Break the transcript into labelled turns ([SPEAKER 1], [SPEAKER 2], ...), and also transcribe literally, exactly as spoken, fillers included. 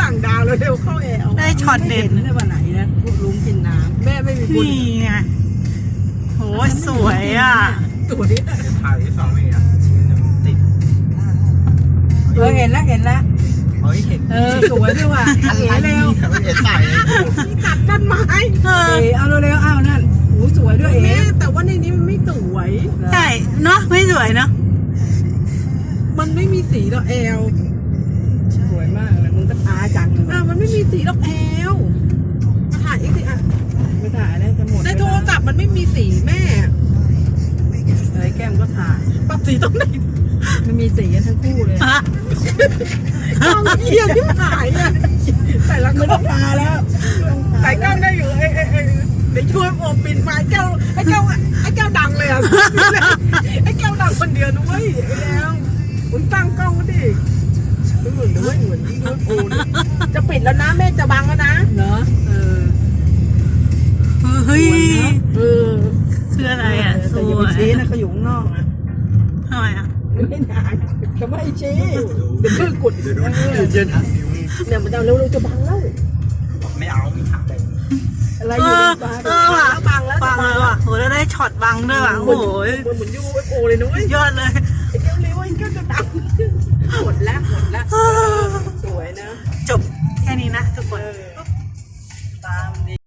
[SPEAKER 1] สั่งดาวเร็วๆเข้าแอล
[SPEAKER 2] ได้ช็อตเด็ด
[SPEAKER 1] ไม่ได้วันไหนนะพูดลุงกินน้ำแม่ไม่มีบุญ
[SPEAKER 2] นี่ไงโหสวยอ่ะ
[SPEAKER 1] ตัวนี้
[SPEAKER 3] ถ่ายสองเมตรติด
[SPEAKER 1] เออเห็นแล้วเห็นแล้ว
[SPEAKER 3] เฮ้ยเห็น
[SPEAKER 1] เออสวยด้วยว่ะเอ๋เร็ว
[SPEAKER 3] เห็นใส่
[SPEAKER 1] นี่ตัดต้นไม้
[SPEAKER 2] เออ
[SPEAKER 1] เอ๋เอาเร็วๆเอานั่นโอ้สวยด้วยเอ๋แต่ว่าในนี้มันไม่สวย
[SPEAKER 2] ใช่เนาะไม่สวยเนาะ
[SPEAKER 1] มันไม่มีสีดอกแอลสวยมากเลยมึงก็ตาจังอ่ะมันไม่มีสีดอกแอลมาถ่ายอีกสิอ่ะไม่ถ่ายแล้วจะหมดในโทรศัพท์มันไม่มีสีแม่เอ้ยแก้มก็ถ่ายปรับสีตรงไหนมันมีสีกันทั้งคู่เลย
[SPEAKER 2] ฮะ
[SPEAKER 1] ต้องเยี่ยมที่ถ่ายเนี่ยแต่ละคนต้องทาแล้วใส่กล้องได้อยู่เอ้ยเอ้ยเอ้ยเดี๋ยวช่วยโอปินมาไอ้เจ้าไอ้เจ้าไอ้เจ้าดังเลยอ่ะไอ้เจ้าดังคนเดียวนะเว้ยไอ้แล้วมึงตั้งกล้องก็ดิเหมือนด้วยเหมือนที่ด้วยโอ้จะปิดแล้วนะแม่จะบังแล้วนะเหรอเออ
[SPEAKER 2] เฮ้ย
[SPEAKER 1] เออ
[SPEAKER 2] คืออะไรอ่ะส
[SPEAKER 1] แต่อย่า
[SPEAKER 2] วย
[SPEAKER 1] ไปชี้นะเขาอยู่ข้างนอกนะ
[SPEAKER 2] ทำไมอ่ะ
[SPEAKER 1] ไม่นานจะไม่ชี้เดี๋ยวมือกด
[SPEAKER 3] เดี๋ยวดูเดี๋ยวทักนิ้ว
[SPEAKER 1] เนี่ยมันจะเร็วๆจะบังแล้ว
[SPEAKER 3] ไม่เอาไม่ถ่าย
[SPEAKER 1] อะไร
[SPEAKER 2] เอ
[SPEAKER 1] อยู่
[SPEAKER 2] อ
[SPEAKER 1] ในฟ้า
[SPEAKER 2] เออว่ะ
[SPEAKER 1] บังแล้ว
[SPEAKER 2] บังเลยว่ะโหแล้วได้ช็อตบังด้วยว่ะโอ้โห
[SPEAKER 1] เหมือนเหมือนยูเอฟโอเลยนุ้ย
[SPEAKER 2] ยอดเลย
[SPEAKER 1] ไอ้เจ้าเลี้ยวไอ้เจ้าจะดังหมดแล้วหมดแล้วสวยนะ
[SPEAKER 2] จบแค่นี้นะทุกคน
[SPEAKER 1] เออ